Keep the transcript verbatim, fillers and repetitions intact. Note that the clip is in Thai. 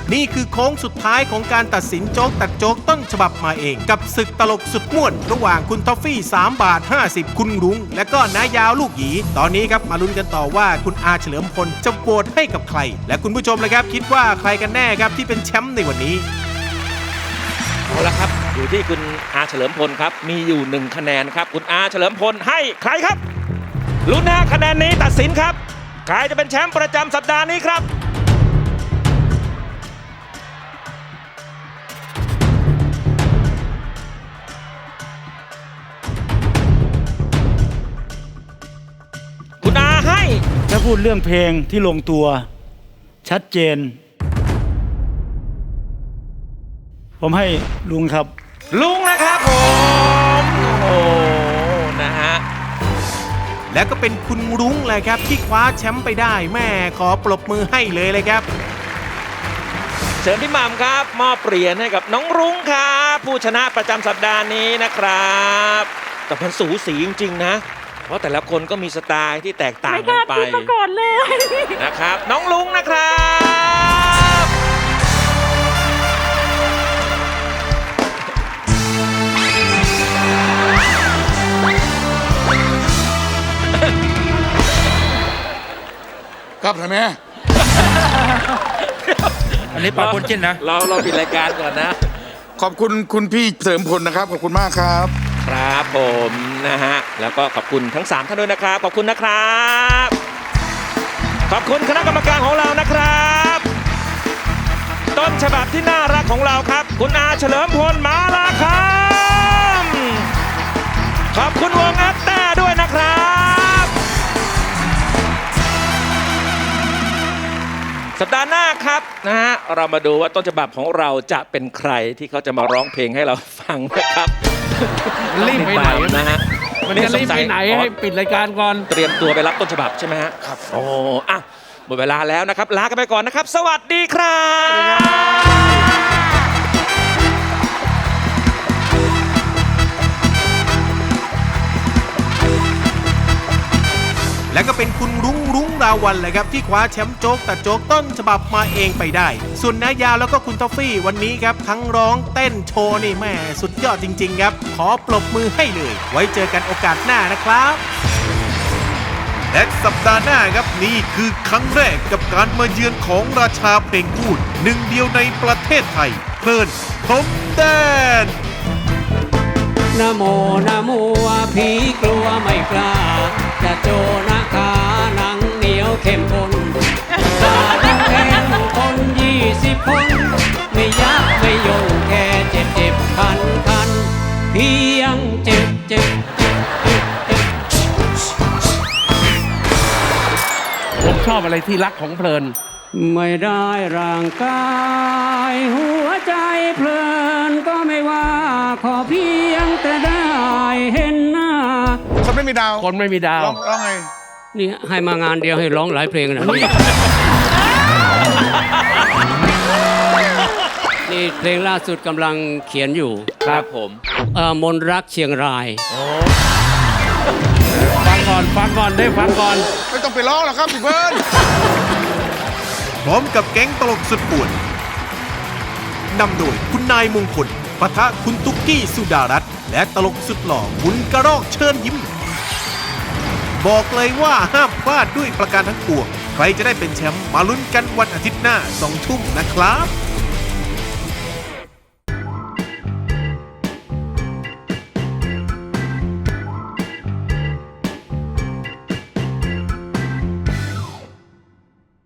นี่คือโค้งสุดท้ายของการตัดสินโจ๊กตัดโจ๊กต้นฉบับมาเองกับศึกตลกสุดม่วนระหว่างคุณทอฟฟี่สามบาทห้าสิบคุณรุ้งและก็น้ายาวลูกหยีตอนนี้ครับมาลุ้นกันต่อว่าคุณอาเฉลิมพลจะโหวตให้กับใครและคุณผู้ชมเลยครับคิดว่าใครกันแน่ครับที่เป็นแชมป์ในวันนี้เอาละครับอยู่ที่คุณอาเฉลิมพลครับมีอยู่หนึ่งคะแนนครับคุณอาเฉลิมพลให้ใครครับลุ้นนะคะแนนนี้ตัดสินครับใครจะเป็นแชมป์ประจำสัปดาห์นี้ครับคุณอาให้ถ้าพูดเรื่องเพลงที่ลงตัวชัดเจนผมให้ลุงครับลุงนะครับผมโอ้นะฮะและก็เป็นคุณรุ้งเลยครับที่คว้าแชมป์ไปได้แม่ขอปรบมือให้เลยเลยครับเชิญพี่หม่ำครับมอบเหรียญให้กับน้องรุ้งครับผู้ชนะประจำสัปดาห์นี้นะครับแต่มันสูสีจริงๆนะเพราะแต่ละคนก็มีสไตล์ที่แตกต่างกันไปไม่กล้าคิดมาก่อนเลยนะครับน้องรุ้งนะครับครับทำไมอันนี้ปากคนจิ้นนะเราเราปิดรายการก่อนนะขอบคุณคุณพี่เสริมพลนะครับขอบคุณมากครับครับผมนะฮะแล้วก็ขอบคุณทั้งสามท่านด้วยนะครับขอบคุณนะครับขอบคุณคณะกรรมการของเรานะครับต้นฉบับที่น่ารักของเราครับคุณอาเฉลิมพลมาลาคำขอบคุณวงแอตแต้ด้วยนะครับสัปดาห์หน้าครับนะฮะเรามาดูว่าต้นฉบับของเราจะเป็นใครที่เขาจะมาร้องเพลงให้เราฟังนะครับรีบไปไหนนะฮะมันจะรีบไปไหนให้ปิดรายการก่อนเตรียมตัวไปรับต้นฉบับใช่ไหมฮะครับโอ้อ่ะหมดเวลาแล้วนะครับลากันไปก่อนนะครับสวัสดีครับและก็เป็นคุณรุ้งรุ้งราวัลเลยครับที่คว้าแชมป์โจ๊กตัดโจ๊กต้นฉบับมาเองไปได้ส่วนน้ายาวแล้วก็คุณทอฟฟี่วันนี้ครับทั้งร้องเต้นโชว์นี่แม่สุดยอดจริงๆครับขอปรบมือให้เลยไว้เจอกันโอกาสหน้านะครับและสัปดาห์หน้าครับนี่คือครั้งแรกกับการมาเยือนของราชาเพลงพูดหนึ่งเดียวในประเทศไทยเพลินพรมแดนนะโมนะโมผีกลัวไม่กล้าจะโจนะขาหนังเหนียวเข้มข้นตาทั้งแข็งคนยี่สิบคนไม่ยักไม่ยงแค่เจ็บเจ็บคันคันเพียงเจ็บเจ็บเจ็บเจ็บเจ็บผมชอบอะไรที่รักของเพลินไม่ได้ร่างกายหัวใจเพลินก็ไม่ว่าขอเพียงแต่ได้เห็นหน้าคนไม่มีดาวคนไม่มีดาวร้องไงนี่ให้มางานเดียวให้ร้องหลายเพลงนะนี่เพลงล่าสุดกำลังเขียนอยู่ครับผมเอ่อมนรักเชียงรายฟังก่อนฟังก่อนได้ฟังก่อนไม่ต้องไปร้องหรอกครับพี่เบิร์นพร้อมกับแก๊งตลกสุดป่วนนำโดยคุณนายมงคลปะทะคุณตุ๊กกี้สุดารัตน์และตลกสุดหล่อคุณกระรอกเชิญยิ้มบอกเลยว่าห้ามพลาดด้วยประการทั้งปวงใครจะได้เป็นแชมป์มาลุ้นกันวันอาทิตย์หน้าสองทุ่มนะครับ